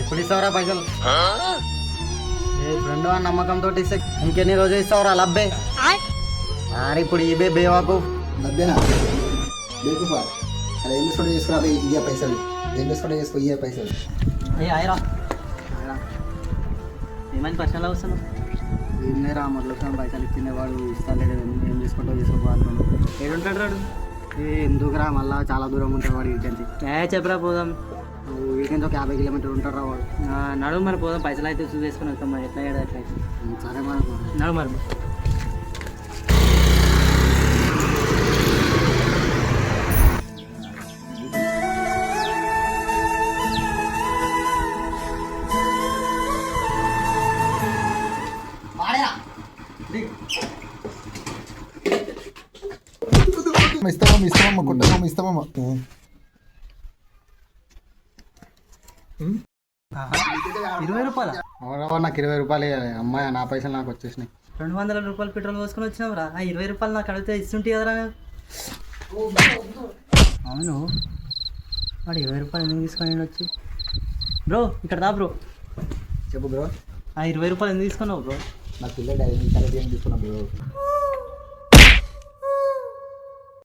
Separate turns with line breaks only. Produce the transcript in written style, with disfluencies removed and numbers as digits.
ఇప్పుడు ఇస్తావురా పైసలు? ఏ ఫ్రెండ్ అని నమ్మకంతో ఇస్తే ఇంకెన్ని రోజులు ఇస్తావురా లబ్బే? అరే ఇప్పుడు ఇవే బేవాకు
లబ్బేనా బేకుఫా అలా ఏం తీసుకుంటే చేసుకురా ఇయ్య పైసలు, ఏం తీసుకుంటే చేసుకో ఇయ్య పైసలు.
అయ్యి ఆయరా ఏమైనా పర్సనల్ అవసరం ఏం లేరా మొదలు పైసలు ఇచ్చిండే వాడు ఇస్తాడు ఏం చేసుకుంటావు చేసుకోవాలి. ఏడుంటాడు రాడు? ఎందుకురా మళ్ళా చాలా దూరం ఉంటాడు వాడు వీకెండ్కి. చెప్పరా పోదాం. వీకెండ్కి ఒక 50 కిలోమీటర్లు ఉంటాడు రా వాడు. నడువు మరి పోదాం, పైసలు అయితే చూసి వేసుకొని వస్తాం మరి ఎట్లా ఏడా ఎట్లా అయితే. సరే మరి నడు మరి.
ఇస్తామమ్మ కొట్టమమ్మ ఇస్తామమ్మ.
₹20? నాకు ₹20 అమ్మాయి నా పైసలు నాకు వచ్చేసినాయి. 200 రూపాయలు పెట్రోల్ పోసుకొని వచ్చినావురా. ఆ ₹20 నాకు అడిగితే ఇస్తుంటే కదరా. అవును వాడు ₹20 ఎందుకు తీసుకొని వచ్చి? బ్రో ఇక్కడ రా బ్రో.
చెప్పు బ్రో.
ఆ ₹20 ఎందుకు తీసుకున్నావు బ్రో?
నా పిల్లలు 5 నిమిషాలు ఏం తీసుకున్నా బ్రో.